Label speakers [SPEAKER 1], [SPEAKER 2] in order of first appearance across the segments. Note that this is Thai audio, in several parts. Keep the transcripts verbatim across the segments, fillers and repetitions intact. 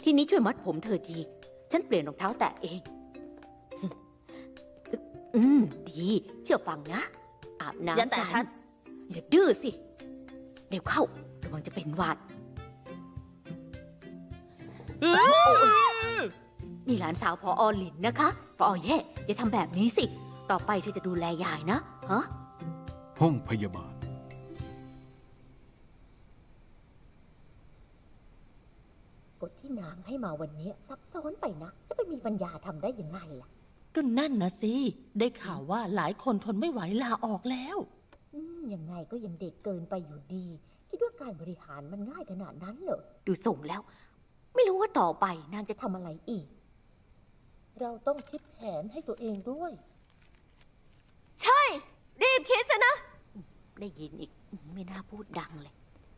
[SPEAKER 1] ทีนี้ช่วยมัดผมเธอที ฉันเปลี่ยนรองเท้าแตะเอง อืม ดี เชื่อฟังนะ อาบน้ำ
[SPEAKER 2] อย่าแตะฉัน
[SPEAKER 1] อย่าดื้อสิ เร็วเข้า ระวังจะเป็นหวัด นี่หลานสาวพออหลินนะคะพออแย่อย่าทำแบบนี้สิ ต่อไปเธอจะดูแลยายนะ ฮะ
[SPEAKER 3] ห้องพยาบาล
[SPEAKER 4] กฎที่นางให้มาวันนี้ซับซ้อนไปนะ จะไปมีปัญญาทำได้ยังไงล่ะ
[SPEAKER 2] ก็นั่นนะสิ ได้ข่าวว่าหลายคนทนไม่ไหวลาออกแล้ว
[SPEAKER 4] อืมยังไงก็ยังเด็กเกินไปอยู่ดี คิดว่าการบริหารมันง่ายขนาดนั้นเหรอ
[SPEAKER 1] ดูส่งแล้ว ไม่รู้ว่าต่อไปนางจะ
[SPEAKER 4] ทำอะไรอีก เราต้องคิดแผนให้ตัวเองด้วย
[SPEAKER 1] ใช่ รีบคิดซะนะ ได้ยินอีก ไม่น่าพูดดังเลย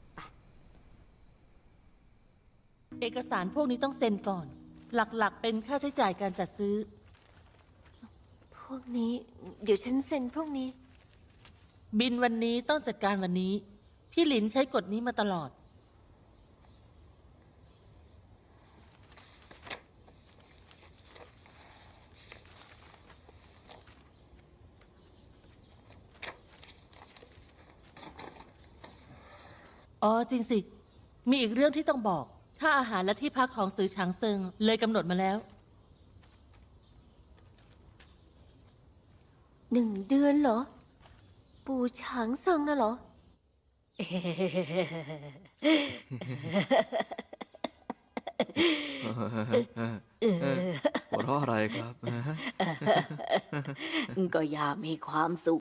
[SPEAKER 2] เอกสารพวกนี้ต้องเซ็นก่อน หลักๆ เป็นค่าใช้จ่ายการจัดซื้อ
[SPEAKER 5] พวกนี้ เดี๋ยวฉันเซ็นพวกนี้
[SPEAKER 2] บินวันนี้ต้องจัดการวันนี้ พี่หลินใช้กฎนี้มาตลอด อ๋อจริงสิ มีอีกเรื่องที่ต้องบอก ค่าอาหารและที่พักของซือฉางเซิงเลยกำหนดมาแล้ว
[SPEAKER 5] หนึ่งเดือนเหรอ ปู่ฉางเซิงน่ะเหรอ
[SPEAKER 6] หัวเราะอะไรครับ
[SPEAKER 1] ก็อย่ามีความสุข